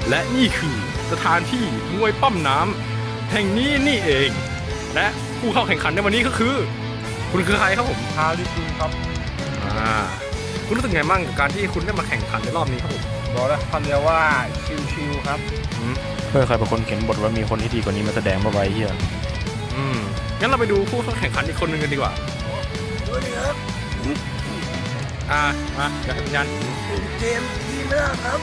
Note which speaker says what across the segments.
Speaker 1: และนี่คือสถานที่มวยปั้มน้ำแห่งนี้นี่เอง และผู้เข้าแข่งขันในวันนี้ก็คือ คุณคือใครครับผม
Speaker 2: ฮาริคุครับ
Speaker 1: คุณรู้สึกไงบ้างกับการที่คุณได้มาแข่งขันในรอบนี้ครับผม
Speaker 2: บอกแล้วคำเดียวว่าชิวๆครับ
Speaker 3: เพื่อใครเป็นคนเขียนบทว่ามีคนที่ดีกว่านี้มาแสดงมาไว้เฮีย
Speaker 1: งั้นเราไปดูผู้เข้าแข่งขันอีกคนหนึ่งกันดีกว่ามาเดี๋ยวให้สัญญาณ
Speaker 2: เกมที่เลือกครับ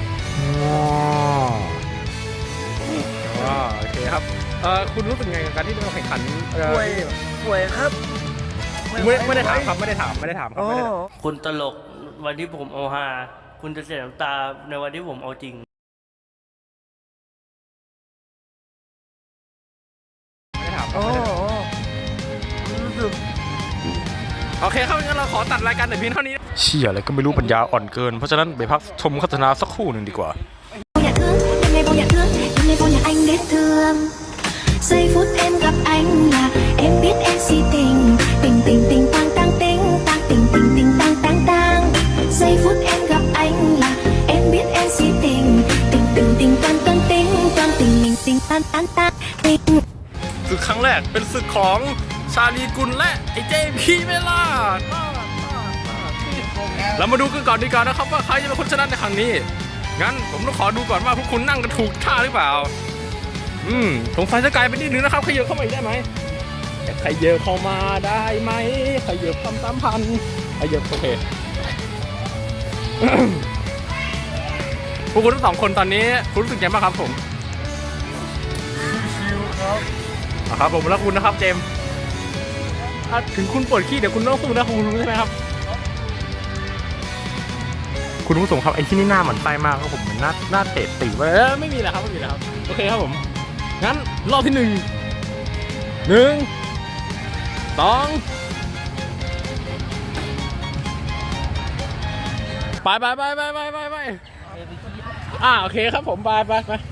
Speaker 1: โอเคครับคุณรู้สึกไงกับการที่ได้มาแข่งขัน
Speaker 2: ป่วยครับ
Speaker 1: ไม่ได้ถามครับไม่ได้ถามครับ
Speaker 4: คุณตลกวันที่ผมเอาฮาคุณจะเสียน้ำตาในวันที่ผมเอาจริง
Speaker 1: ไม่ได้ถามโอเคครับงั้นเราขอตัดรายการแต่เพียงเท่านี้
Speaker 3: เชี่ยอะไรก็ไม่รู้ปัญญาอ่อนเกินเพราะฉะนั้นไปพักชมโฆษณาสักครู่หนึ่งดีกว่า
Speaker 5: Nhà thương, đêm nay vô nhà thương, đêm nay vô nhà anh đến thương. Giây phút em gặp anh là em biết em si tình, tình tình tình tang tang tình, tang tình tình tình tang tang tang. Giây phút em gặp anh là em biết em si tình, tình tình tình toan toan tình, toan tình mình tình tan tan tan tình.
Speaker 1: ศึกครั้งแรกเป็นศึกของชาลีกุลและไอเจพีเมล่าเรามาดูกันก่อนดีกว่านะครับว่าใครจะเป็นคนชนะในครั้งนี้งั้นผมต้องขอดูก่อนว่าพวกคุณนั่งกันถูกท่าหรือเปล่าสงสัยจะไกลไปนิดนึงนะครับขยับเข้ามาอีกได้ไหมขยับเข้ามาได้ไหมขยับ3,000ขยับโอเค พวกคุณทั้งสองคนตอนนี้คุณรู้สึกยังไงบ้างครับผม
Speaker 2: ชิวๆครับ
Speaker 1: ครับผมแล้วคุณนะครับเจมส์ถึงคุณปวดขี้เดี๋ยวคุณต้องสู้นะคุณรู้ใช่ไหมครับคุณผู้ชมครับไอ้ที่นี่หน้าเหมือนไส้มากครับผมเหมือนหน้าเตะตีไปไม่มีแล้วครับไม่มีแล้วครับโอเคครับผมงั้นรอบที่1 2ไปโอเคครับผมไป